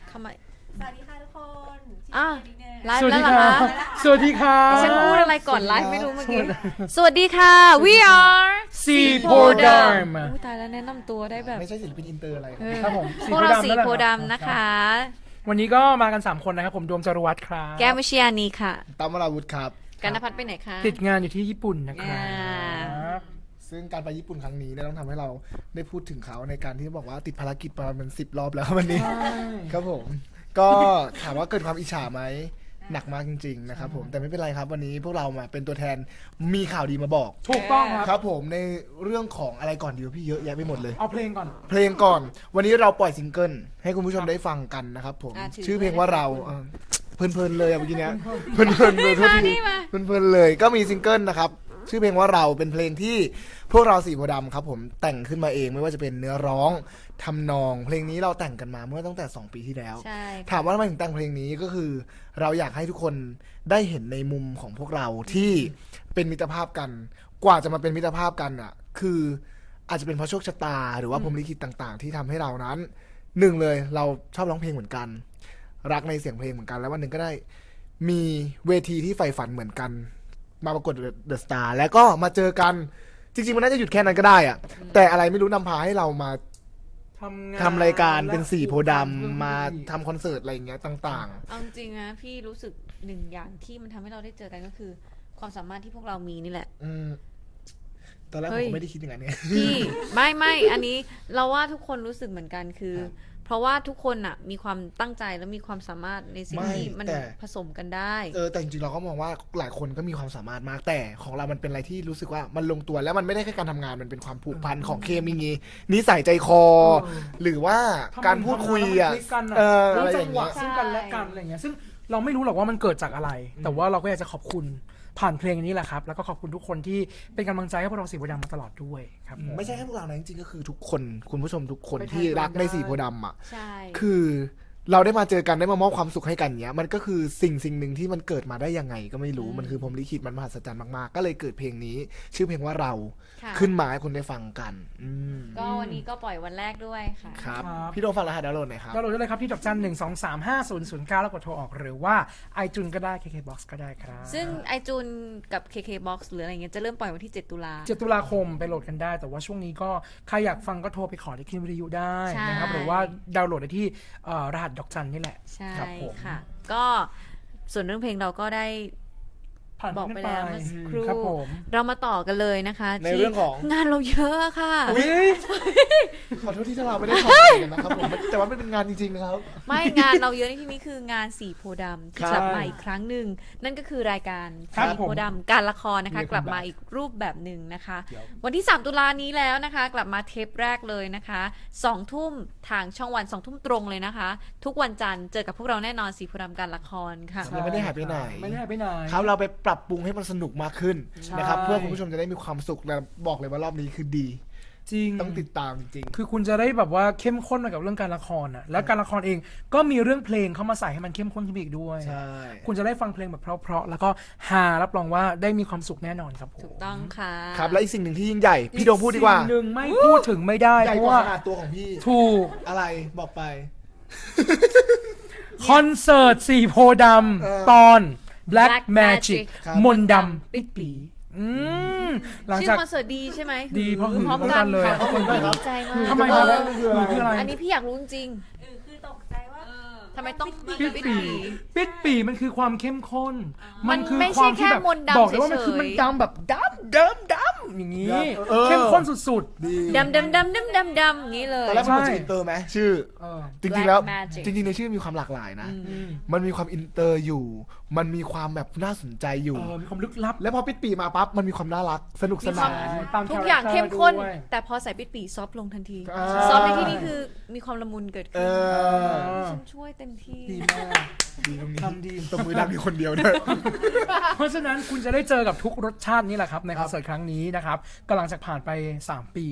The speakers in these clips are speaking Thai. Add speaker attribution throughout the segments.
Speaker 1: ทำไม
Speaker 2: สวัสดีค่ะทุกคน
Speaker 1: ไลฟ์แล้วเหรอคะ
Speaker 3: สวัสดีค่ะ
Speaker 1: ฉันพูดอะไรก่อนไลฟ์ไม่รู้เมื่อกี้สวัสดีค่ะ we are
Speaker 3: สีโพธิ์ดำ
Speaker 1: ตายแล้วแนะนำตัวได้แบบ
Speaker 4: ไม่ใช่ศิลปินอินเตอร์อะไร
Speaker 3: ครับผม
Speaker 1: พวกเราสีโพธิ์ดำนะคะ
Speaker 3: วันนี้ก็มากัน3คนนะครับผมโดมจารวัตรครับ
Speaker 1: แก้มวิชยานีค่ะ
Speaker 4: ตั้มวราวุธครับ
Speaker 1: กันนภัทรไปไหนคะ
Speaker 3: ติดงานอยู่ที่ญี่ปุ่นนะครับ
Speaker 4: ซึ่งการไปญี่ปุ่นครั้งนี้เนี่ยต้องทำให้เราได้พูดถึงเขาในการที่บอกว่าติดภารกิจประมาณ10 รอบแล้ววันนี้ครับผมก็ถามว่าเกิดความอิจฉาไหมหนักมากจริงๆนะครับผมแต่ไม่เป็นไรครับวันนี้พวกเรามาเป็นตัวแทนมีข่าวดีมาบอก
Speaker 3: ถูกต้องค
Speaker 4: ครับ รับผมในเรื่องของอะไรก่อนดีวะพี่เยอะแยะไปหมดเลย
Speaker 3: เอาเพลงก่อน
Speaker 4: เพลงก่อนวันนี้เราปล่อยซิงเกิลให้คุณผู้ชมได้ฟังกันนะครับผมชื่อเพลงว่าเราเพลินๆเลยเมื่อกี้เนี้ยเพลินๆเลยทุกทีเพลินๆเลยก็มีซิงเกิลนะครับชื่อเพลงว่าเราเป็นเพลงที่พวกเราสีโพธิ์ดำครับผมแต่งขึ้นมาเองไม่ว่าจะเป็นเนื้อร้องทำนองเพลงนี้เราแต่งกันมาเมื่อตั้งแต่2 ปีที่แล้ว
Speaker 1: ใช่
Speaker 4: ถามว่าทำไมถึงแต่งเพลงนี้ก็คือ เราอยากให้ทุกคนได้เห็นในมุมของพวกเราที่เป็นมิตรภาพกันกว่าจะมาเป็นมิตรภาพกันอ่ะคืออาจจะเป็นเพราะโชคชะตาหรือว่าพรหมลิขิตต่างๆ ที่ทำให้เรานั้นหนึ่งเลยเราชอบร้องเพลงเหมือนกันรักในเสียงเพลงเหมือนกันแล้ววันหนึ่งก็ได้มีเวทีที่ใฝ่ฝันเหมือนกันมาประกวดเดอะสตาร์แล้วก็มาเจอกันจริงๆมันน่าจะหยุดแค่นั้นก็ได้อะแต่อะไรไม่รู้นำพาให้เรามาทำรายการเป็นสีโพธิ์ดำมาทำคอนเสิร์ตอะไรอย่างเงี้ยต่าง
Speaker 1: เอาจริงนะพี่รู้สึกหนึ่งอย่างที่มันทำให้เราได้เจอกันก็คือ ความสามารถที่พวกเรามีนี่แหละ
Speaker 4: ตอนแรกผมก็ไม่ได้คิดอย่างนั้นเนี่ย
Speaker 1: พี่ไม่อันนี้เราว่าทุกคนรู้สึกเหมือนกันคือ เพราะว่าทุกคนอ่ะมีความตั้งใจและมีความสามารถในสิ่งที่มันผสมกันได้
Speaker 4: แต่จริงๆเราก็มองว่าหลายคนก็มีความสามารถมากแต่ของเรามันเป็นอะไรที่รู้สึกว่ามันลงตัวแล้วมันไม่ได้แค่การทำงานมันเป็นความผูกพันของเคมีงี้นิสัยใจคอ หรือว่าการพูดคุยอ่ะ
Speaker 3: รู้
Speaker 4: อะไรอ
Speaker 3: จั
Speaker 4: ย่าง ง
Speaker 3: หวะ
Speaker 4: เงี้ย
Speaker 3: ซึ่งกันและกันอะไรเงี้ยซึ่งเราไม่รู้หรอกว่ามันเกิดจากอะไร แต่ว่าเราก็อยากจะขอบคุณผ่านเพลงนี้แหละครับแล้วก็ขอบคุณทุกคนที่เป็นกำลังใจให้พวกเราสีโพธิ์ดำมาตลอดด้วยครับผม
Speaker 4: ไม่ใช่แค่พวกเรานะจริงๆก็คือทุกคนคุณผู้ชมทุกคนที่รักในสีโพธิ์ดำอ่ะ
Speaker 1: ใช่
Speaker 4: คือเราได้มาเจอกันได้มามอบความสุขให้กันเนี้ยมันก็คือสิ่งหนึ่งที่มันเกิดมาได้ยังไงก็ไม่รู้มันคือพรหมลิขิตมันมหัศจรรย์มากๆก็เลยเกิดเพลงนี้ ชื่อเพลงว่าเรา
Speaker 1: ค่ะ
Speaker 4: ขึ้นมาให้คนได้ฟังกัน
Speaker 1: ก็วันนี้ก็ปล่อยวันแรกด้วยค่ะ
Speaker 4: ครับ
Speaker 3: ครับ
Speaker 4: พี่โดมฟังรหัสดาวน์โหลดหน่อยครับ
Speaker 3: ดาวน์โหลดได้เลยครับที่ดอกจัน1235009แล้วกดโทรออกหรือว่า iTunes ก็ได้ KKBox ก็ได้ครับ
Speaker 1: ซึ่งไอจูนกับ KKBox หรืออะไรเงี้ยจะเริ่มปล่อยวันที่ 7 ตุลา
Speaker 3: 7 ตุลาคมไปโหลดกันได้ แต่ว่าช่วงนี้ก็ใครอยากฟังก็โทรไปขอที่คลิปวิทยุได้นะครับ
Speaker 1: ใช่
Speaker 3: หรือว่าดาวน์โหลดได้ที่รหัสดอกจันนี่แหละ
Speaker 1: ใช่
Speaker 3: ครับผม
Speaker 1: ค่ะ ก็ส่วนเรื่องเพลงเราก็ได้
Speaker 3: ผ่าน
Speaker 1: บอกไปแล้วเมื่อสักครู่
Speaker 3: ครับผม
Speaker 1: เรามาต่อกันเลยนะคะ
Speaker 4: ในเรื่องของ
Speaker 1: งานเราเยอะค่ะ
Speaker 4: ขอโทษที่เราไม่ได้ทำกันนะครับผมแต่ว่ามันเป็นงานจริงๆนะครับ
Speaker 1: ไม่งานเราเยอะในที่นี้คืองานสีโพธิ์ดำที่
Speaker 4: ครับ
Speaker 1: กลับมาอีกครั้งหนึ่งนั่นก็คือรายการ
Speaker 3: ครับ
Speaker 1: สีโพธิ์ดำการละครนะคะ
Speaker 3: Welcome
Speaker 1: กลับมาอีกรูปแบบหนึ่งนะคะ
Speaker 4: เดี๋ยว
Speaker 1: วันที่ 3 ตุลานี้แล้วนะคะ กลับมาเทปแรกเลยนะคะ2 ทุ่มทางช่องวัน2 ทุ่มตรงเลยนะคะ ทุกวันจันทร์เจอกับพวกเราแน่นอนสีโพธิ์ดำการละครค่ะ
Speaker 4: ยังไม่ได้หายไปไหน
Speaker 3: ไม่ได้หายไปไหน
Speaker 4: ครับเราไปปรับปรุงให้มันสนุกมากขึ้น
Speaker 3: ใช่
Speaker 4: นะครับเพื่อคุณผู้ชมจะได้มีความสุขและบอกเลยว่ารอบนี้คือดี
Speaker 3: จริง
Speaker 4: ต้องติดตามจริง
Speaker 3: คือคุณจะได้แบบว่าเข้มข้นมากับเรื่องการละครอ่ะแล้วการละครเองก็มีเรื่องเพลงเข้ามาใส่ให้มันเข้มข้นขึ้นไปอีกด้วย
Speaker 4: ใช่
Speaker 3: คุณจะได้ฟังเพลงแบบเพราะๆแล้วก็ฮารับรองว่าได้มีความสุขแน่นอนครับผม
Speaker 1: ถูกต้องค่ะ
Speaker 4: ครับและอีกสิ่งหนึ่งที่ยิ่งใหญ่พี่โดมพูดดีกว่า
Speaker 3: อีสิ่งหนึ่งไม่พูดถึงไม่ได้
Speaker 4: ใหญ่
Speaker 3: เพราะ
Speaker 4: กว่า
Speaker 3: ว่า
Speaker 4: ขนาดตัวของพี่
Speaker 3: ถูก
Speaker 4: อะไรบอกไป
Speaker 3: คอนเสิร์ตสีโพธิ์ด
Speaker 4: เออ
Speaker 3: ำตอน Black
Speaker 1: Black
Speaker 3: Magic
Speaker 1: Magic
Speaker 4: ครับ
Speaker 3: มนต์ดำปิดปีหลัง
Speaker 1: ชื่อ
Speaker 3: จาก
Speaker 1: คอนเสิร์ตดีใช่ไหม
Speaker 3: ดีเพราะ
Speaker 1: พร้อม
Speaker 3: หือ
Speaker 1: กัน
Speaker 3: เลย
Speaker 1: ค่ะ
Speaker 4: ขอบคุณด้วยครับ
Speaker 1: ดีใจมาก
Speaker 3: ทำไมครับ
Speaker 4: คืออะไร
Speaker 3: คืออะไร
Speaker 1: อันนี้พี่อยากรู้จริง
Speaker 2: คือตกใจว่า
Speaker 1: ทำไมต้อง
Speaker 3: ปิดปีปิดปีมันคือความเข้มข้น
Speaker 1: มันไม่
Speaker 3: ความ
Speaker 1: ใช่แค่
Speaker 3: ที่แบบ
Speaker 1: มนต์ดำ
Speaker 3: บอกเลยว่ามัน
Speaker 1: เฉยๆ
Speaker 3: คือมันดำแบบดำอย่างนี้
Speaker 4: เออ
Speaker 3: เข้มข้นสุด
Speaker 4: ดี
Speaker 1: ดำอย่างนี้เลย
Speaker 4: ตอนแรกมันเหมือนจะอินเตอร์ไหมชื่อ
Speaker 3: ๆ
Speaker 4: จริงๆแล้ว
Speaker 1: Black Magic
Speaker 4: จริงๆในชื่อมีความหลากหลายนะ มันมีความอินเตอร์อยู่ มันมีความแบบน่าสนใจอยู่
Speaker 3: มีความลึกลับ
Speaker 4: แล้วพอปิดปีมาปั๊บมันมีความน่ารักสนุกสนาน
Speaker 3: ตาม
Speaker 1: ทุกอย่างเข้มข้น
Speaker 3: ด้วย
Speaker 1: แต่พอใส่ปิดปีซอฟต์ลงทันที
Speaker 4: อ่า
Speaker 1: ซอฟต์ในที่นี้คือมีความละมุนเกิด
Speaker 4: เอ
Speaker 1: ขึ้น
Speaker 4: อ
Speaker 1: ฉันช่วยเต็มที่
Speaker 3: ดีมาก
Speaker 4: ดีตรงนี้
Speaker 3: ทำดี
Speaker 4: ตบมือดังอยู่คนเดียวด้วย
Speaker 3: เพราะฉะนั้นคุณจะได้เจอกับทุกรสชาตินี่แหละครับในคอนเสิร์ตครั้งนี้นะครับกำลังจะผ่านไป3 ปี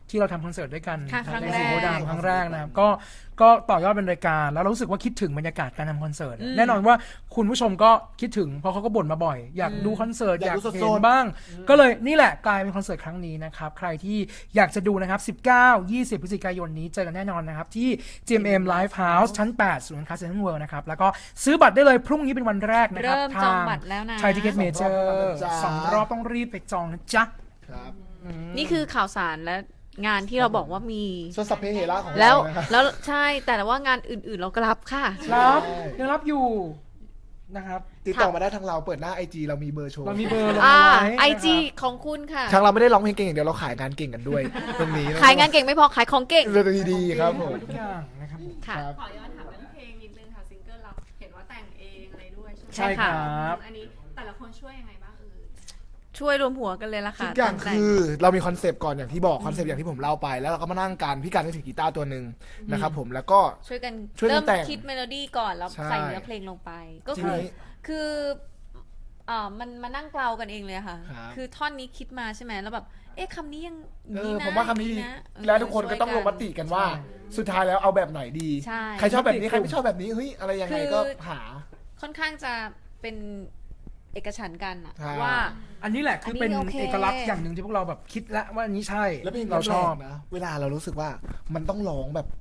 Speaker 3: ที่เราทำคอนเสิร์ตด้วยกัน
Speaker 1: ค่ะครั้ง
Speaker 3: ใน
Speaker 1: แร
Speaker 3: สี
Speaker 1: ก
Speaker 3: โพธิ์ดำครั้งแรกนะครับก็ต่อยอดเป็นรายการแล้วเรารู้สึกว่าคิดถึงบรรยากาศการทำคอนเสิร์ตแน่นอนว่าคุณผู้ชมก็คิดถึงเพราะเขาก็บ่นมาบ่อย อยากดูคอนเสิร์ตอยาก ก
Speaker 4: อายดู
Speaker 3: เห็
Speaker 4: ส
Speaker 3: น
Speaker 4: ดๆ
Speaker 3: บ้าง ก็เลยนี่แหละกลายเป็นคอนเสิร์ตครั้งนี้นะครับใครที่อยากจะดูนะครับ19-20 พฤศจิกายนนี้เจอกันแน่นอนนะครับที่ GMM Live House ชั้น 8 ศูนย์การค้าเซ็นทรัลเวิลด์นะครับแล้วก็ซื้อบัตรได้เลยพรุ่งนี้เป็นวันแรกนะครับ
Speaker 1: เริ่มจองบัตรแล้วนะ
Speaker 3: ไทยทิเก็ตเมเจอร์2 รอบต้องรีบไปจองนะจ๊ะ
Speaker 4: ครับ
Speaker 1: นี่คือข่าวสารและงานที่เราบอกว่ามี
Speaker 4: ส่วนสัพเพเหระของ
Speaker 1: แล้ว
Speaker 4: เรานะครับ
Speaker 1: แล้วใช่แต่ว่างานอื่นๆเราก็รับค่ะ
Speaker 3: รับยังรับอยู่นะครับ
Speaker 4: ติดต่อมาได้ทางเราเปิดหน้า IG เรามีเบอร์โชว์
Speaker 3: เรามีเบอร์ลง
Speaker 1: อ่า
Speaker 3: เอาไว้
Speaker 1: ไอจี
Speaker 3: นะครับ
Speaker 1: ของคุณค่ะ
Speaker 4: ทางเราไม่ได้ร้องเพลงเก่งอย่างเดียวเราขายงานเก่งกันด้วย ตรงนี้ะ
Speaker 1: ขายงานเก่งไม่พอขายของเก่ง
Speaker 4: เรื่องดีๆครับผม
Speaker 3: ทุกอย่างนะครับ
Speaker 1: ค่ะ
Speaker 4: ครับ
Speaker 2: ขอย้อนถามเรื่องเพลงนิดนึงค่ะซิงเกิลเราเห็นว่าแต่งเองอะไรด้วยใช่ไหม
Speaker 1: ใช่ค่ะ
Speaker 2: อันนี้แต่ละคนช่วยยังไงบ้าง
Speaker 1: ช่วยรวมหัวกันเลยละ
Speaker 4: ทุ
Speaker 1: ค่ะ
Speaker 4: กอย่าง
Speaker 1: ตั้แต่
Speaker 4: คือเรามีคอนเซปต์ก่อนอย่างที่บอกคอนเซปต์อย่างที่ผมเล่าไปแล้วเราก็มานั่งกันพี่การก็ถือกีตาร์ตัวหนึ่งนะครับผมแล้วก็
Speaker 1: ช่วยกัน
Speaker 4: ช่วยกัน
Speaker 1: เริ่ม
Speaker 4: แต่ง
Speaker 1: คิดเมโลดี้ก่อนแล้ว
Speaker 4: ใช่
Speaker 1: ใส่เนื้อเพลงลงไป ก็
Speaker 4: ที
Speaker 1: คือ
Speaker 4: นี้
Speaker 1: คือมันมานั่งเกลากันเองเลยค่ะ
Speaker 4: ครับ
Speaker 1: คือท่อนนี้คิดมาใช่ไหมแล้วแบบเอ๊ะคำนี้ยังนี้นะ
Speaker 4: ผมว่าคำนี้ดี
Speaker 1: นะ
Speaker 4: แล้วทุกคนก็ต้องลงมติกันว่า สุดท้ายแล้วเอาแบบไหนดี
Speaker 1: ใช่
Speaker 4: ใครชอบแบบนี้ใครไม่ชอบแบบนี้เฮ้ยอะไรยังไงก็หา
Speaker 1: ค่อนข้างจะเป็นเอกฉันท์กันอะ
Speaker 4: ใช่
Speaker 1: ว่า
Speaker 3: อันนี้แหละคือเป็น
Speaker 1: อันนี้โอเค
Speaker 3: เอกลักษณ์อย่างหนึ่งที่พวกเราแบบคิดแล้วว่าอันนี้ใช่
Speaker 4: แล้วเพลง
Speaker 3: เราชอบ
Speaker 4: นะเวลาเรารู้สึกว่ามันต้องร้องแบบ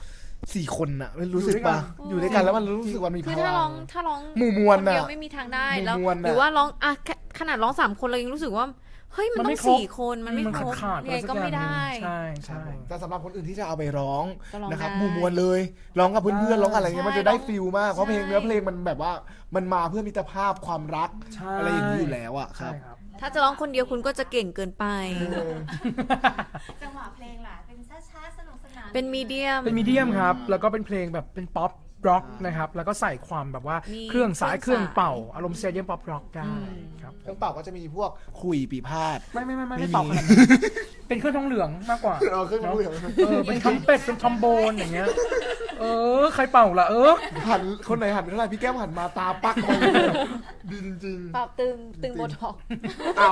Speaker 4: 4 คนอะรู้สึกปะอยู่ด้วยกันแล้วมันรู้สึกว่ามีพ
Speaker 1: คือ
Speaker 4: ลั
Speaker 1: ถ้าง ร้อง
Speaker 4: หมู่มวล
Speaker 1: คนเดียว
Speaker 4: น่ะ
Speaker 1: ไม่มีทางได้
Speaker 4: หมู่
Speaker 1: แล้ว
Speaker 4: มวลน่ะ
Speaker 1: หรือว่าร้องอะแค่ขนาดร้อง3 คนเรายังรู้สึกว่าเฮ้ยมัน
Speaker 3: มัน
Speaker 1: ต้
Speaker 3: ไม่
Speaker 1: อง
Speaker 3: ครบ
Speaker 1: 4 คนมันไม่ครบ
Speaker 3: ขาด
Speaker 1: ยังไงก็ไม่ได้
Speaker 3: ใช่ใช่
Speaker 4: แต่สำหรับคนอื่นที่จะเอาไปร้อง
Speaker 1: ก็ร้อง
Speaker 4: นะครับ
Speaker 1: ได้
Speaker 4: หมู่มวลเลยร้องกับเพื่อนๆร้องอะไรเงี้ย
Speaker 1: ใช่
Speaker 4: มันจะได้ฟิลมากเพราะเพลง
Speaker 1: ใช่
Speaker 4: เนื้อเพลงมันแบบว่ามันมาเพื่อมิตรภาพความรัก
Speaker 3: ใช่
Speaker 4: อะไรอย่างนี้อยู่แล้วอะค
Speaker 3: ใช่
Speaker 4: รับ
Speaker 3: ครับ
Speaker 1: ถ้าจะร้องคนเดียวคุณก็จะเก่งเกินไป
Speaker 2: จังหวะเพลงล่ะเป็นช้าๆสนุกสนาน
Speaker 1: เป็นมีเดียม
Speaker 3: เป็นมีเดียมครับ แล้วก็เป็นเพลงแบบเป็นป๊อปร็อกนะครับ แล้วก็ใส่ความแบบว่า
Speaker 1: มี
Speaker 3: เครื่องสาย
Speaker 1: เครื่อง
Speaker 3: เครื่องเป่า อารมณ์เซเดียมป๊อปร็อกได้ครับ
Speaker 4: เครื่องเป่าก็จะมีพวกขุยปีพาด
Speaker 3: ไม่
Speaker 4: ไม่
Speaker 3: ไม่
Speaker 4: มี
Speaker 3: เป่าขนาดนั้นเป็นเครื่องทองเหลืองมากกว่า
Speaker 4: เครื่องเหลือง
Speaker 3: เป็นทอมเป็ดเป็นทอมโบนอย่างเงี้ย ใครเป่าล่ะ
Speaker 4: หันคนไหนหันเท่าไหร่พี่แก้มหันมาตาปักมาเลยดีจริง
Speaker 1: ปรับตึงโบท็อกซ์
Speaker 4: ๆเอา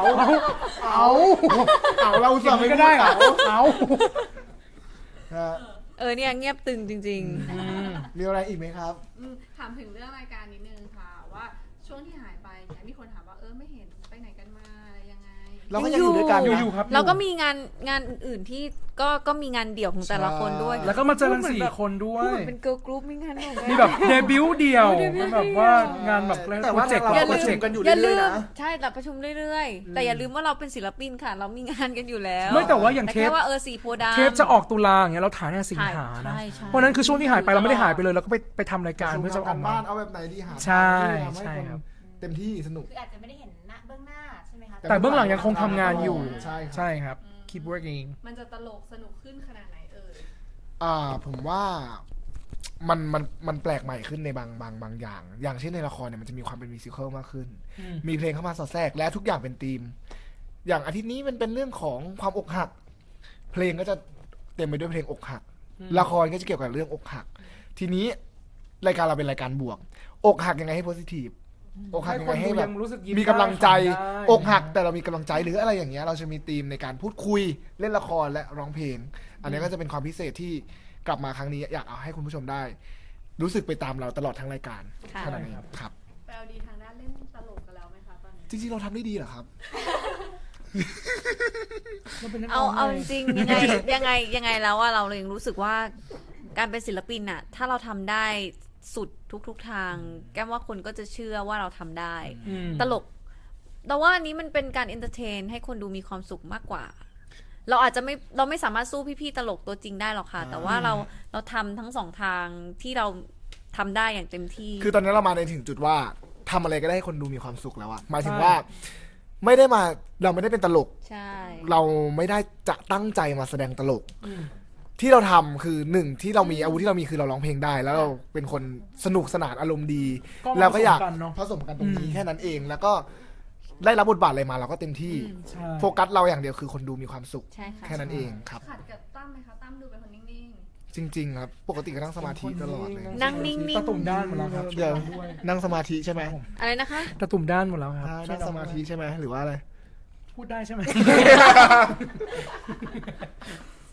Speaker 4: เรา
Speaker 3: อ
Speaker 4: สั่
Speaker 3: ย่าง ง
Speaker 4: ไม่
Speaker 3: นี้ก็ได้เหรอเอา
Speaker 4: ฮะ
Speaker 1: เนี่ยเงียบตึงจริง
Speaker 4: มีอะไรอีกไหมครับ
Speaker 2: ถามถึงเรื่องรายการนิดนึงค่ะว่าช่วงที่หายไปเนี่ยมีคนถามว่าไม่เห็นไปไหนกันมาอะไรยังไง
Speaker 4: เราก็ยังอยู่ด้วยกันนะ
Speaker 3: อยู่ครับ
Speaker 1: ๆ แล้วก็มีงานอื่นๆที่ก็มีงานเดี่ยวของแต่ละคนด้วย
Speaker 3: แล้วก็มาเจอกัน4 คนด้ว
Speaker 1: พูด
Speaker 3: ย
Speaker 1: เหมือนเป็นเกิร์ลกรุ๊ปมีงานของ
Speaker 3: มีแบบเดบิวต์เดียว
Speaker 1: เดบิวต์
Speaker 3: มันแบบว่างานแบบ
Speaker 4: แต่
Speaker 3: โปร
Speaker 4: ว่า
Speaker 3: เจกต์
Speaker 4: เรา
Speaker 3: เรา
Speaker 4: ก็ประชุมกันอยู่
Speaker 1: อย่า
Speaker 4: เรื่
Speaker 1: ลื
Speaker 4: อย
Speaker 1: ม
Speaker 4: ๆนะ
Speaker 1: ใช่เราประชุมเรื่อยๆ แต่อย่าลืมว่าเราเป็นศิลปินค่ะ เรามีงานกันอยู่แล้ว
Speaker 3: ไม่แต่ว่าอย่าง
Speaker 1: แต่
Speaker 3: เท
Speaker 1: แค่
Speaker 3: ป
Speaker 1: ว่าสีโพธิ์ดำ
Speaker 3: เทปจะออกตุลาอย่างเงี้ยเราถ่ายในสิงหานะ
Speaker 1: ใช่ใช่
Speaker 3: เพราะฉะนั้นคือช่วงที่หายไปเราไม่ได้หายไปเลยเราก็ไปทำรายการเพื่อจะอ
Speaker 4: กั
Speaker 3: อก
Speaker 4: น
Speaker 3: มา
Speaker 4: บ้านเอาแบบไหนดีหา
Speaker 3: ใช่
Speaker 4: ทางที่ทำ
Speaker 3: ใช่
Speaker 4: ห้น
Speaker 3: ครับ
Speaker 4: เต็มที่สนุก
Speaker 2: คืออาจจะไม่ได้เห็นหน้าเบื้องหน้าใช่ไหมคะ
Speaker 3: แต่เบื้องหลังยังคงทำงานอยู่
Speaker 4: ใช่ครับ
Speaker 3: ใช่ครับ keep working
Speaker 2: มันจะตลกสนุกขึ้นขนาดไหนเอ่ย
Speaker 4: ผมว่ามันแปลกใหม่ขึ้นในบางอย่าง อย่างเช่นในละครเนี่ยมันจะมีความเป็นมิวสิควลมากขึ้น มีเพลงเข้ามาสอดแทรกและทุกอย่างเป็นธีม อย่างอาทิตย์นี้มันเป็นเรื่องของความอกหัก เพลงก็จะเต็มไปด้วยเพลงอกหัก ละครก็จะเกี่ยวกับเรื่องอกหัก ทีนี้รายการเราเป็นรายการบวก อกหักยังไงให้โพสิทีฟอกหักยังไงให้แบบ
Speaker 3: รู้สึกยิ้
Speaker 4: มีกำลังใจ
Speaker 3: ได้
Speaker 4: อกหักแต่เรามีกำลังใจหรืออะไรอย่างเงี้ยเราจะมีธีมในการพูดคุยเล่นละครและร้องเพลง อันนี้ก็จะเป็นความพิเศษที่กลับมาครั้งนี้อยากเอาให้คุณผู้ชมได้ รู้สึกไปตามเราตลอดทั้งรายการ
Speaker 1: ค่ะ
Speaker 4: เท่านั้นเองครับ
Speaker 2: ไปเอาดีทางด้านเล่นตลกกันแล้วไหมคะตอนนี้
Speaker 4: จริงๆเราทำได้ดีเหรอครับ
Speaker 3: มันเป็นนักร้
Speaker 1: เอา
Speaker 3: ง
Speaker 1: เอา
Speaker 3: ไง
Speaker 1: จริงๆยังไงแล้วว่าเราเลยรู้สึกว่าการเป็นศิลปินน่ะถ้าเราทำได้สุดทุกทาง แก้มว่าคนก็จะเชื่อว่าเราทำได้
Speaker 3: อืม
Speaker 1: ตลกแต่ว่าอันนี้มันเป็นการเอนเตอร์เทนให้คนดูมีความสุขมากกว่า เราอาจจะเราไม่สามารถสู้พี่ๆตลกตัวจริงได้หรอกค่ะ แต่ว่าเราทำทั้ง2 ทางที่เราทำได้อย่างเต็มที่
Speaker 4: คือตอนนี้เรามาในถึงจุดว่าทำอะไรก็ได้ให้คนดูมีความสุขแล้วอะหมายถึงว่าไม่ได้มาเราไม่ได้เป็นตลก
Speaker 1: ใช่
Speaker 4: เราไม่ได้จะตั้งใจมาแสดงตลก ที่เราทำคือหนึ่งที่เรามีอาวุธที่เรามีคือเราร้องเพลงได้ แล้วเราเป็นคนสนุกสนานอารมณ์ดี
Speaker 3: ก็
Speaker 4: แล้วก็อยาก
Speaker 3: ผสมกันเนอะ
Speaker 4: ผสมกันตรงนี้แค่นั้นเอง แล้วก็ได้รับบทบาทอะไรมาเราก็เต็มที่
Speaker 3: ใช่
Speaker 4: โฟกัสเราอย่างเดียวคือคนดูมีความสุข
Speaker 1: ใช่ค่ะ
Speaker 4: แค่นั้นเองครับ
Speaker 2: ขัดกับตั้มไหมคะตั้มดูเป็นคนนิ่ง
Speaker 4: จริง ๆ ครับ ปกติก็นั่งสมาธิตลอดเลย
Speaker 1: นั่งนิ่ง
Speaker 3: ตะตุ่มด้านหมดแล้วครับ
Speaker 4: เดี๋ยว
Speaker 3: ด้วย
Speaker 4: นั่งสมาธิใช่ไหม
Speaker 1: อะไรนะคะ
Speaker 3: ตะตุ่มด้านหมดแล้วครับ
Speaker 4: นั่งสมาธิใช่ไหมหรือว่าอะไร
Speaker 3: พูดได้ใช่ไหม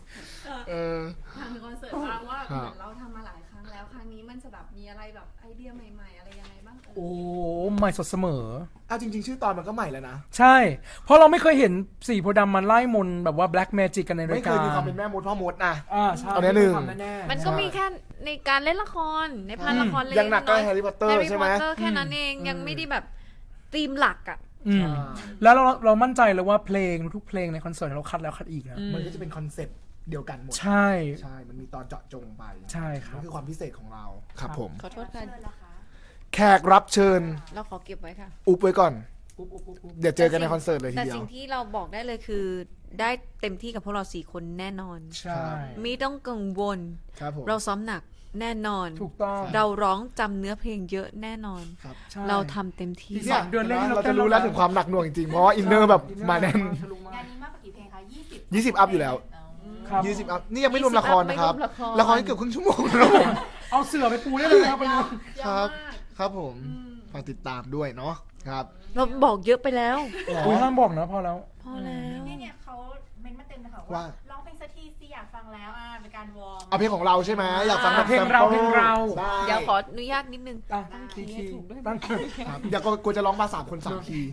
Speaker 4: เออ
Speaker 2: ทางคอนเสิร์ตบ้างว่า
Speaker 4: ครั
Speaker 2: เห
Speaker 4: บ
Speaker 2: มือนเราทำมาหลายครั้งแล้วครั้งนี้มันจะแบบมีอะไรแบบไอเดียใหม่ๆ อะไรยังไงบ้างเอ่ย
Speaker 3: โอ้ใหม่สดเสมอ
Speaker 4: เอาจริงๆชื่อตอนมันก็ใหม่แล้วนะ
Speaker 3: ใช่ เพราะเราไม่เคยเห็นสีโพธิ์ดำมันไล่มนต์แบบว่า black magic กันใน
Speaker 4: ไม่
Speaker 3: ราย
Speaker 4: เค
Speaker 3: การ
Speaker 4: ยมีความเป็นแม่มดพ่อมดนะ
Speaker 3: ใช่
Speaker 4: เอาแน่หนึ่ง
Speaker 3: แน่ๆ
Speaker 1: มันก็มีแค่ในการเล่นละครในพาร์ทละครเล็ก
Speaker 4: ยังหนักก็
Speaker 1: น้อย
Speaker 4: แฮร์รี่พอตเตอร์
Speaker 1: แฮร์รี่
Speaker 4: ใช่
Speaker 1: พ
Speaker 4: ไหม
Speaker 1: อตเตอร์แค่นั้นเองยังไม่ได้แบบธีมหลักอ่ะ
Speaker 3: อืมแล้วเรามั่นใจเลยว่าเพลงทุกเพลงในคอนเสิร์ตเราคัดแล้วคัดอีกนะ
Speaker 4: มันก็จะเป็นคอนเซ็ปต์เดียวกันหมด
Speaker 3: ใช่
Speaker 4: ใช่ มันมีตอนเจาะจงไป
Speaker 3: ใช่ครับ
Speaker 4: นั่นคือความพิเศษของเรา ครับผม
Speaker 1: ขอโทษค่ะ
Speaker 4: แขกรับเชิญ
Speaker 1: เราขอเก็บไว้ค่ะ
Speaker 4: อุบไว้ก่อน
Speaker 3: อุ๊บ
Speaker 4: เดี๋ยวเจอกันในคอนเสิร์ตเลยที
Speaker 1: แต่
Speaker 4: เดียว
Speaker 1: สิ่งที่เราบอกได้เลยคือได้เต็มที่กับพวกเรา4คนแน่นอน
Speaker 3: ใช่
Speaker 1: ไม่ต้องกังวล
Speaker 4: ครับผม
Speaker 1: เราซ้อมหนักแน่นอน
Speaker 3: ถูกต้อง
Speaker 1: เราร้องจำเนื้อเพลงเยอะแน่นอน
Speaker 4: ครับ
Speaker 3: ใช่
Speaker 1: เราทำเต็มที่
Speaker 3: ที่ สามเดือนแรกที่เรา
Speaker 4: เรา
Speaker 3: เต้
Speaker 4: จะ
Speaker 3: น
Speaker 4: รู้แล้วถึงความหนักหน่วงจริงๆ เพราะว่าอินเนอร์แบบมาแน่น
Speaker 5: งานนี้มากกว่ากี่เพลงคะ20
Speaker 4: 20 อัพอยู่แล้ว
Speaker 3: ครับ
Speaker 4: 20 อัพ นี่ยังไม่รวมละครนะครับ
Speaker 1: ไม่รวมละคร
Speaker 4: ละครนี่เกือบครึ่งชั่วโมงนะครับผม
Speaker 3: เอาเสือไปปูได้เลยนะครับไปดู
Speaker 4: ครับ
Speaker 2: ยาวมาก
Speaker 4: ครับผม ฝากติดตามด้วยเนาะ ครับ
Speaker 1: เราบอกเยอะไปแล้ว
Speaker 3: อุ้ยห้ามบอกนะพอแล้ว
Speaker 1: พอแล้ว
Speaker 5: เนี่ยเขาเม้นต์มาเต็มเลยค่ะ
Speaker 4: ว่า
Speaker 5: ว่าร้องเพลงสักทีสิอยากฟังแล้วเป็นการวอร์ม
Speaker 4: เอาเพลงของเราใช่ไหมอยากฟังแบบ
Speaker 3: เพลงเรา
Speaker 4: sample
Speaker 3: เพลงเรา
Speaker 4: ได้
Speaker 1: เดี๋ยวขออนุญาตนิดนึง
Speaker 3: ตั้งคีย์ตั้งคีย์
Speaker 4: ครับอย่ากลัวจะร้องมา3 คน 3 คีย์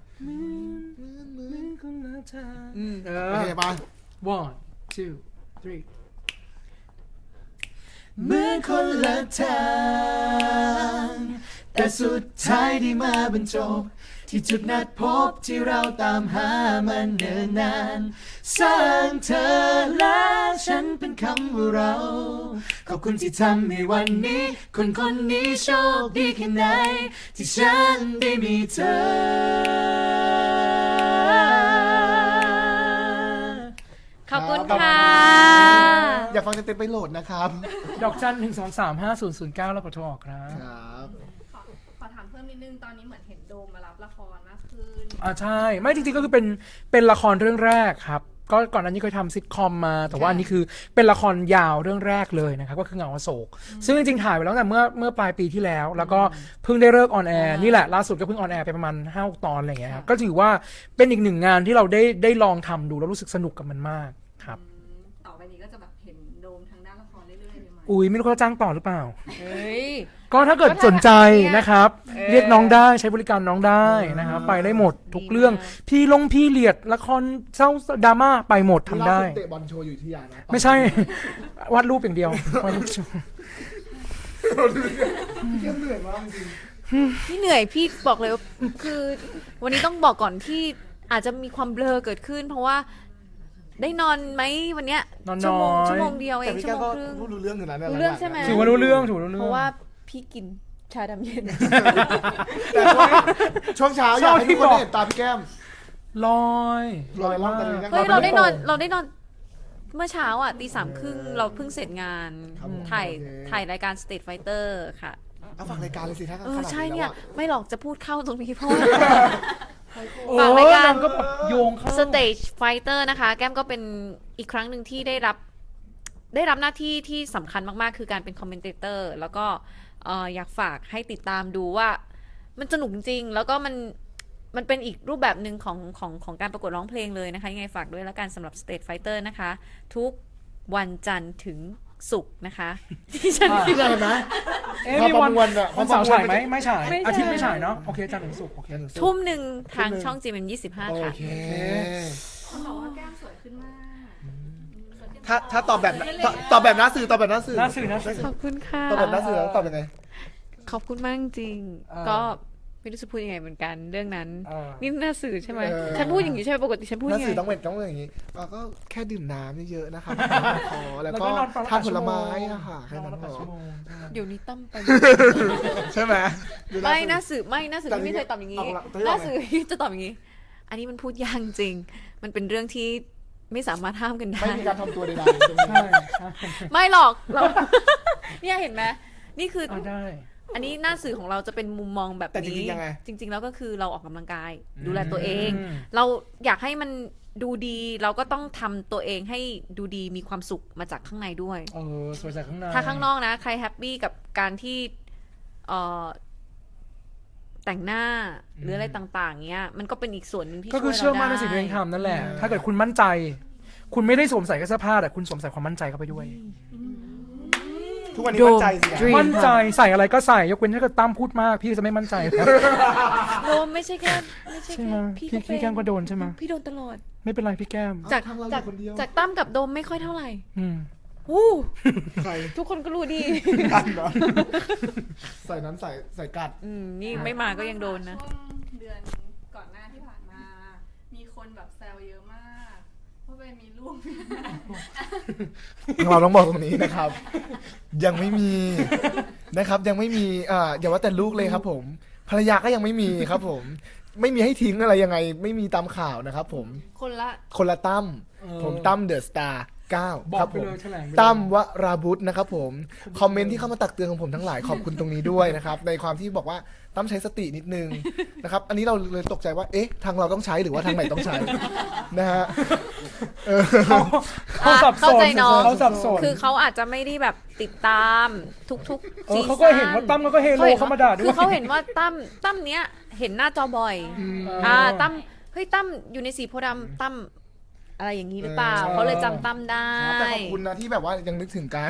Speaker 3: เอ
Speaker 4: โอเค
Speaker 3: อ
Speaker 4: ปะ
Speaker 3: one two three
Speaker 6: เหมือนคนละทางแต่สุดท้ายได้มาบรรจบที่จุดนัดพบที่เราตามหามันเนิ่นนานสร้างเธอและฉันเป็นคำว่าเรา ขอบคุณที่ทำให้วันนี้ คนคนนี้โชคดีแค่ไหน ที่ฉันได้มีเธอ
Speaker 1: ขอบคุณ
Speaker 4: ครับ
Speaker 1: ค่ะ
Speaker 4: อยากฟังเต็มๆไปโหลดนะครับ
Speaker 3: ดอกจัน1235009แล้วกดโทรออกครับ
Speaker 4: ครับ
Speaker 2: ขอถามเพิ่มนิดนึงตอนนี้เหมือนเห็นโดมมารับละครมากขึ้น
Speaker 3: ใช่ไม่จริงๆก็คือเป็นละครเรื่องแรกครับ ก็ก่อนหน้านี้เคยทำซิทคอมมา แต่ว่าอันนี้คือเป็นละครยาวเรื่องแรกเลยนะครับก็คือเงาอโศกซึ่งจริงๆถ่ายไปแล้วแต่เมื่อปลายปีที่แล้ว แล้วก็เพิ่งได้เลิกออนแอร์นี่แหละล่าสุดก็เพิ่งออนแอร์ไปประมาณ5-6 ตอนอะไรอย่างเงี้ยครับก็ถือว่าเป็นอีกหนึ่งงานที่เราได้ลองทำดูแล้วรู้สึกสนุกกับมันมากครับ
Speaker 2: ต่อไปนี้ก็จะแบบเห็นโดมทางด้านละครเรื่อยๆเลยไหม
Speaker 3: อุ้ยไม่รู้เขาจะจ้างต่อหรือเปล่า
Speaker 1: เฮ้ย
Speaker 3: ก็ถ้าเกิดสนใจนะครับ
Speaker 1: เออ
Speaker 3: เรียกน้องได้ใช้บริการน้องได้นะครับไปได้หมดทุกเรื่อง พี่เลียดละครเศร้าดราม่าไปหมดทำได้
Speaker 4: ล่าสุเตะบอลโชว์อยู่ที่ยานะ
Speaker 3: ไม่ใช่ วาดรูปอย่างเดียววาดรูปโชว์
Speaker 4: เที่ยงเหนื่อยมากจริง
Speaker 1: พี่เหนื่อยพี่บอกเลยว่าคือวันนี้ต้องบอกก่อนที่อาจจะมีความเบลอเกิดขึ้น เพราะว่าได้นอนไหมวันเนี้ย
Speaker 3: นอน
Speaker 1: ชั่วโมง
Speaker 3: น้อย
Speaker 1: ชั่วโมงเดียว
Speaker 4: ๆ
Speaker 1: เอ
Speaker 4: แต่
Speaker 1: ง
Speaker 4: พี่
Speaker 1: ชั่
Speaker 4: แก้
Speaker 1: ว
Speaker 4: ว
Speaker 1: โม
Speaker 4: ก็
Speaker 1: งครึ่ง
Speaker 4: พูดรู้เรื่องอยู่นะ
Speaker 1: รู้เรื่องใช่ไหม
Speaker 3: ถือว่ารู้เรื่องถือว่ารู้เรื่อง
Speaker 1: เพราะว่าพี่กินชาดำเย็น
Speaker 4: แต่ช่วงเช้าอยากให้ทุกคนได้เห็นตาพี่แก้ม
Speaker 3: ลอย
Speaker 4: ลอยล่องตะลึง
Speaker 1: เฮ้ยเราได้นอนเมื่อเช้าอ่ะ3:30เราเพิ่งเสร็จงาน
Speaker 4: ครับผม
Speaker 1: ถ่าย
Speaker 4: โอเค
Speaker 1: ถ่ายรายการ State Fighter ค่ะ
Speaker 4: เอาฝากรายการเลยสิถ้าขนาด
Speaker 1: ใช่
Speaker 4: นี้
Speaker 1: เนี่
Speaker 4: แล้
Speaker 1: ยว
Speaker 4: อะ
Speaker 1: ไม่หรอกจะพูดเข้าตรงนี้เพราะว่า
Speaker 3: โอ้
Speaker 1: ฝากรายการ
Speaker 3: นงก็แบบโยงเข้า
Speaker 1: Stage Fighter นะคะ แก้มก็เป็นอีกครั้งหนึ่งที่ได้รับหน้าที่ที่สำคัญมากๆ คือการเป็นคอมเมนเตอร์แล้วก็อยากฝากให้ติดตามดูว่ามันสนุกจริงๆแล้วก็มันเป็นอีกรูปแบบหนึ่งของการประกวดร้องเพลงเลยนะคะยังไงฝากด้วยแล้วกันสำหรับ State Fighter นะคะ ทุกวันจันทร์ถึงศุกร์นะคะ ที่ฉัน
Speaker 4: พี่เห็นไหม
Speaker 3: เอ๊ะ
Speaker 4: พอ
Speaker 3: มี
Speaker 4: ประ
Speaker 3: วัน
Speaker 4: มวลอะ
Speaker 3: วันเสาร์ฉายไหม
Speaker 4: พอประมวล
Speaker 3: ไม่ฉาย
Speaker 1: ไม่ฉาย
Speaker 3: อาทิตย์ไม่ฉายเนาะโอเคจันทร์ถึงศุกร์โอเค
Speaker 1: ทุ่มหนึ่งทาง
Speaker 4: ทุ่มหนึ่ง
Speaker 1: ช่อง GMM25
Speaker 4: โอ
Speaker 1: ค่ะ
Speaker 4: เค
Speaker 2: เขาบอกว่าแก้มสวยขึ้นมาก
Speaker 4: ถ้าตอบแบบตอบแบบหน้าสื่อตอบแบบหน้าสื่อ
Speaker 3: น่าสื่อ
Speaker 1: ขอบคุณค่ะ
Speaker 4: ตอบแบบหน้าสื่อแล้วตอบยังไง
Speaker 1: ขอบคุณมากจริง
Speaker 3: เออ
Speaker 1: ก็ไม่รู้จะพูดยังไงเหมือนกันเรื่องนั้น
Speaker 3: เออ
Speaker 1: นี่หน้าสื่อใช่ไหม
Speaker 4: เออ
Speaker 1: ฉันพูดอย่างนี้ใช่ไหมปกติฉันพูด
Speaker 4: หน้า
Speaker 1: ยัง
Speaker 4: สื่อ
Speaker 1: ไง
Speaker 4: ต้องเป็นอย่างนี้ก็แค่ดื่มน้ำเยอะๆนะครับขอแล้วก็
Speaker 3: นอนประมาณ
Speaker 4: ทานผลไม้
Speaker 3: ชั่วโง
Speaker 4: นะคะแค่นั้น
Speaker 3: นอน
Speaker 4: พ
Speaker 3: ประมาณ
Speaker 4: อ
Speaker 3: ชั่วโมงใช่ไหม
Speaker 1: เดี๋ยวนี้ตั้มไป
Speaker 4: ใช่ไหมดู
Speaker 1: ไม่ห
Speaker 4: สื่
Speaker 1: น้าสื่อที่ไม่เคยตอบอย่างนี้
Speaker 4: เอาละ
Speaker 1: หน้าสื่อที่จะตอบอย่างนี้ อันนี้มันพูดยากจริง มันเป็นเรื่องที่ไม่สามารถห้ามกันได้
Speaker 4: ไม่มีการทำตัวใดๆตรงนี้
Speaker 3: ใช่ใช่
Speaker 1: ไม่หรอกเรา เนี่ยเห็นไหมนี่คือ
Speaker 3: ได้
Speaker 1: อันนี้หน้าสื่อของเราจะเป็นมุมมองแบบ
Speaker 4: แต่จริ
Speaker 1: นี้
Speaker 4: งๆยังไง
Speaker 1: จริง ๆ แล้วก็คือเราออกกำลังกาย ดูแลตัวเอง
Speaker 3: อืม
Speaker 1: เราอยากให้มันดูดี เราก็ต้องทำตัวเองให้ดูดีมีความสุขมาจากข้างในด้วย
Speaker 3: สวยจากข้างใน
Speaker 1: ถ้าข้างนอกนะ ใครแฮปปี้กับการที่เอ่อแต่งหน้าหรืออะไรต่างๆเงี้ยมันก็เป็นอีกส่วนหนึ่งที่
Speaker 3: ก็คือ
Speaker 1: ช่วย
Speaker 3: เชื่อมั่นใน
Speaker 1: ราได้
Speaker 3: สิ่งที่ตัวเองทำนั่นแหละ ถ้าเกิดคุณมั่นใจคุณไม่ได้สวมใส่แค่เสื้อผ้าแต่คุณสวมใส่ความมั่นใจเข้าไปด้วย
Speaker 4: ทุกวันนี้มั่นใจสินะ
Speaker 1: Dream
Speaker 3: มั่นใจใส่อะไรก็ใส่ยกเว้นถ้าเกิดตั้มพูดมากพี่จะไม่มั่นใจครับ
Speaker 1: โดนไม่ใช่แค่
Speaker 3: ใช่ไหมพี่แก้มก็โดนใช่ไหม
Speaker 1: พี่โดนตลอด
Speaker 3: ไม่เป็นไรพี่แก้ม
Speaker 1: จาก
Speaker 4: ทางเราอ
Speaker 1: จาก
Speaker 4: ยู่คนเดียว
Speaker 1: จากตั้มกับโดมไม่ค่อยเท่าไหร่
Speaker 3: อืม
Speaker 1: วู้
Speaker 4: ใคร
Speaker 1: ทุกคนก็รู้ดี
Speaker 4: กันเนาะใส่นั้นใส่กัด
Speaker 1: นี่ไม่มาก็ยังโดนนะ
Speaker 2: ช่วงเดือนก่อนหน้าที่ผ่านมา มีคนแบบแซวเยอะมากว่าไปมีลูก
Speaker 4: เราต้องบอกตรงนี้นะครับ ยังไม่มีนะครับยังไม่มีอย่าว่าแต่ลูกเลยครับผมภรรยาก็ยังไม่มีครับผม ไม่มีให้ทิ้งอะไรยังไง ไม่มีตามข่าวนะครับผม คนละตั้มผมตั้มเดอะสตาร์9
Speaker 3: บอก
Speaker 4: ครับ
Speaker 3: ไป
Speaker 4: ผม
Speaker 3: เลยแถลงไปเลย
Speaker 4: ตั้มวราบุตรนะครับผมคอมเมนต์ที่เข้ามาตักเตือนของผมทั้งหลายขอบคุณตรงนี้ด้วยนะครับ ในความที่บอกว่าตั้มใช้สตินิดนึงนะครับ อันนี้เราเลยตกใจว่าเอ๊ะทางเราต้องใช้หรือว่าทางไหนต้องใช้นะฮะเออ
Speaker 3: เขาสับส
Speaker 1: เข้านใจน้อง
Speaker 3: เขาสับสน
Speaker 1: คือเขาอาจจะไม่ได้แบบติดตามทุกๆซีซั่น
Speaker 3: เขาก็เห็นว่าตั้มก็เฮโลเข้ามาด่าด้วย
Speaker 1: คือเขาเห็นว่าตั้มเนี้ยเห็นหน้าจอบ่อยตั้มเฮ้ยตั้มอยู่ในสีโพธิ์ดำตั้มอะไรอย่างนี้หรือเปล่าเขาเลยจำตั้มได้
Speaker 4: แต่ขอบคุณนะที่แบบว่ายังนึกถึงกัน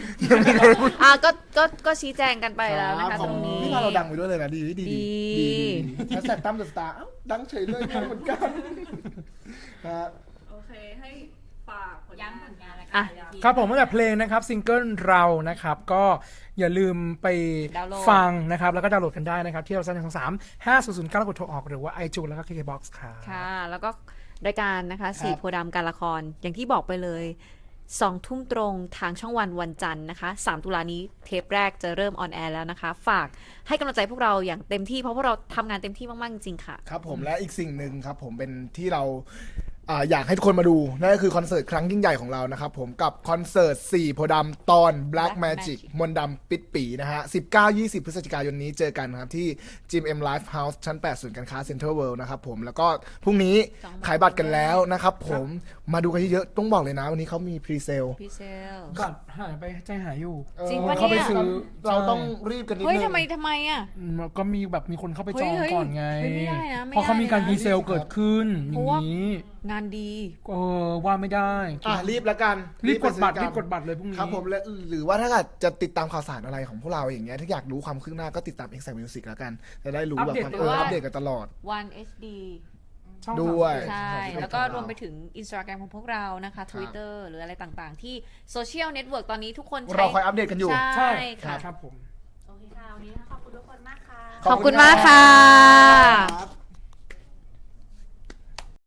Speaker 1: ก็ชี้แจงกันไปแล้วนะคะตรงนี้
Speaker 4: นี่พาเราดังไปด้วยเลยนะดีดี
Speaker 1: ดี
Speaker 4: แฮชแท็กตั้มเดอะสตาร์ดังเฉยเลยเหมือนกันนะฮะ
Speaker 2: โอเคให้ฝากผลงาน
Speaker 5: ย้ำผลงานแล้วกั
Speaker 1: อ่ะ
Speaker 5: น
Speaker 3: ครับผมตั้งแต่เพลงนะครับซิงเกิลเรานะครับก็อย่าลืมไป
Speaker 1: ดาวน์โหลด
Speaker 3: ฟังนะครับแล้วก็ดาวน์โหลดกันได้นะครับ ที่เราสร้าง3 5009แล้วกดโทรออกหรือว่า iTunes แล้วก็ KKBox ครับ
Speaker 1: ค่ะ แล้วก็รายการนะคะสีโพธิ์ดำการละคร อย่างที่บอกไปเลย2 ทุ่มตรงทางช่องวันวันจันทร์นะคะ3 ตุลานี้เทปแรกจะเริ่มออนแอร์แล้วนะคะ ฝากให้กำลังใจพวกเราอย่างเต็มที่เพราะพวกเราทำงานเต็มที่มากๆจริงๆค่ะ
Speaker 4: ครับผมและอีกสิ่งหนึ่งครับผมเป็นที่เราอยากให้ทุกคนมาดูนั่นก็คือคอนเสิร์ตครั้งยิ่งใหญ่ของเรานะครับผมกับคอนเสิร์ต4โพธิ์ดำตอน Black Magic มนต์ดำปิดปีนะฮะ 19-20 พฤศจิกายนนี้เจอกันครับที่ GMM Live House ชั้น 8 ศูนย์การค้า Central World นะครับผมแล้วก็พรุ่งนี้ขายบัตรกันแล้วนะครับผมมาดูกันเยอะๆต้องบอกเลยนะวันนี้เขามีพรีเซล
Speaker 1: พี่เซล
Speaker 3: บัตรหายไปใจหายอยู่
Speaker 1: จริงปะเนี่ย
Speaker 3: เข้าไปซื้อ
Speaker 4: เราต้องรีบกันนิด
Speaker 1: เฮ้ย
Speaker 4: นึง
Speaker 1: ทำไมอ่ะ
Speaker 3: ก็มีแบบมีคนเข้าไปจอง
Speaker 1: เฮ้ย
Speaker 3: ก่อนไง
Speaker 1: เฮ้ยไม่ได้นะไม่ได้
Speaker 3: เพราะเขามีการ
Speaker 1: นะ
Speaker 3: พรีเซลเกิดขึ้นอ
Speaker 1: เพ
Speaker 3: ย่า
Speaker 1: ราะ
Speaker 3: ง
Speaker 1: ว่า
Speaker 3: นี้
Speaker 1: งานดี
Speaker 3: ว่าไม่ได้
Speaker 4: รีบแล้วกัน
Speaker 3: รีบกดบัตร
Speaker 4: ไปซื้อ
Speaker 3: รีบกดบัตรเลยพรุ่งนี้
Speaker 4: ครับผมและหรือว่าถ้าเกิดจะติดตามข่าวสารอะไรของพวกเราอย่างเงี้ยถ้าอยากรู้ความคืบหน้าก็ติดตาม Exact Music แล้วกันจะได้รู้แบบความ
Speaker 1: อัปเดต
Speaker 4: อัปเดตกันตลอด
Speaker 1: One HD
Speaker 3: ช่อง
Speaker 4: ด้วย
Speaker 1: ใช่
Speaker 4: ครับ
Speaker 1: แล้วก็รวมไปถึง Instagram ของพวกเรานะคะ Twitter หรืออะไรต่างๆ ที่โซเชียลเน็ตเวิร์กตอนนี้ทุกคนใช้
Speaker 4: เราคอยอัปเดตกันอยู่
Speaker 1: ใช่ค่ะ
Speaker 3: ครับผม
Speaker 5: โอเคค่ะ วันนี้ขอบคุณทุกคนมากค่ะ
Speaker 1: ขอบคุณมากค่ะ
Speaker 4: ครับ